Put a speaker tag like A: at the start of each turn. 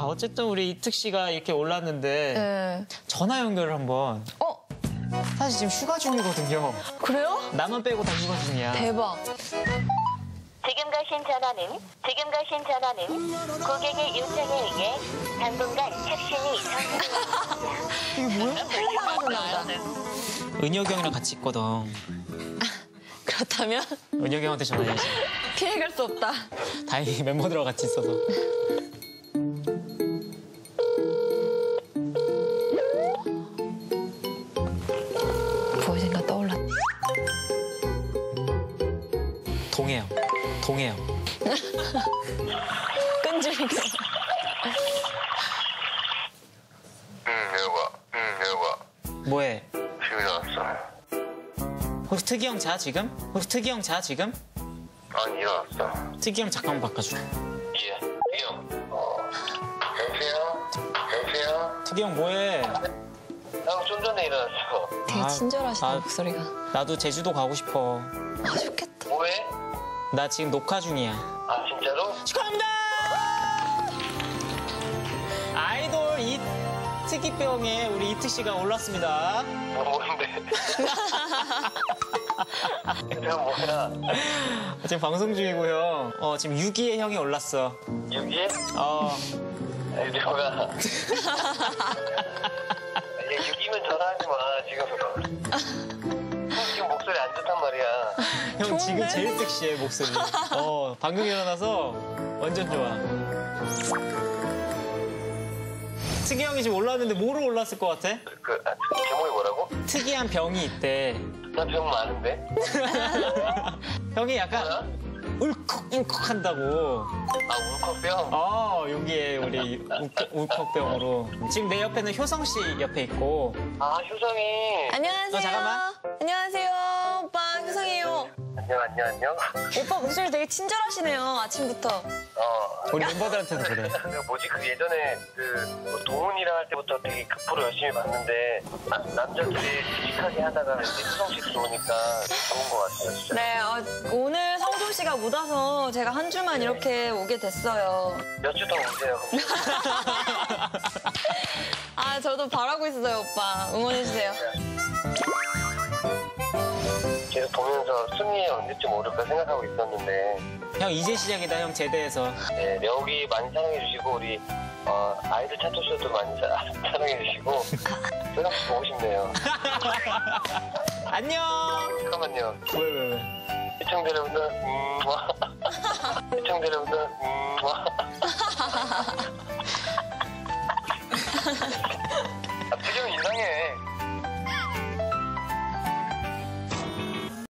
A: 어쨌든 우리 이특 씨가 이렇게 올랐는데
B: 네.
A: 전화 연결을 한번. 사실 지금 휴가 중이거든요.
B: 그래요?
A: 나만 빼고 다 휴가 중이야.
B: 대박.
C: 지금 가신 전화는 고객의 요청에 의해 당분간 착신이 정지되었습니다.
A: 이게 뭐야?
B: 흘러나가나 보다.
A: 은혁이 형이랑 같이 있거든.
B: 그렇다면
A: 은혁이 형한테 전화해야지.
B: 피해갈 수 없다.
A: 다행히 멤버들하고 같이 있어서.
B: 무엇인가 떠올랐다.
A: 동해요.
B: 끈질기게.
D: 여봐.
A: 뭐해?
D: 지금 일어났어.
A: 혹시 특이 형 자 지금?
D: 아니, 일어났어.
A: 특이 형 잠깐만 바꿔줘.
D: 예. 형. 여보세요?
A: 특이 형 뭐해?
D: 형 좀 전에 일어났어.
B: 되게 친절하시다,
A: 아,
B: 목소리가.
A: 나도 제주도 가고 싶어.
B: 아, 좋겠다.
D: 뭐해?
A: 나 지금 녹화 중이야.
D: 아, 진짜로?
A: 축하합니다! 아이돌 이특이병에 우리 이특 씨가 올랐습니다.
D: 뭔데? 형 뭐야?
A: 지금 방송 중이고요. 지금 6위에 형이 올랐어.
D: 6위? 아니, 내가. 6위면 전화하지 마, 지금. 형 지금 목소리 안 좋단 말이야.
A: 형 지금
B: 좋은데?
A: 제일 섹시해, 목소리. 방금 일어나서 완전 좋아. 특이 형이 지금 올랐는데 뭐로 올랐을 것 같아?
D: 제목이 뭐라고?
A: 특이한 병이 있대.
D: 나 병 많은데?
A: 형이 약간 울컥울컥 한다고.
D: 아, 울컥병?
A: 여기에 우리 울컥병으로. 지금 내 옆에는 효성 씨 옆에 있고.
D: 아, 효성이.
B: 안녕하세요.
A: 잠깐만.
B: 안녕하세요. 오빠, 효성이에요.
D: 안녕.
B: 오빠 목소리 되게 친절하시네요, 아침부터.
A: 우리 멤버들한테도 그래.
D: 예전에 뭐 동훈이랑 할 때부터 되게 그 프로 열심히 봤는데 남자들이 씩씩하게 하다가 이제 효성 씨 들어오니까 좋은 것 같아요, 진짜.
B: 네, 오늘 성조 씨가 못 와서 제가 한 주만 이렇게 오게 됐어요.
D: 몇 주 더 오세요.
B: 아, 저도 바라고 있어요, 오빠. 응원해주세요.
D: 계속 보면서 승리에 언제쯤 오를까 생각하고 있었는데
A: 형 이제 시작이다, 형 제대해서.
D: 네, 여기 많이 사랑해주시고 우리 아이들 차트쇼도 많이 사랑해주시고 효성 씨 보고 싶네요.
A: 안녕.
D: 잠깐만요.
A: 왜?
D: 시청자 여러분들 시청자 여러분들 특이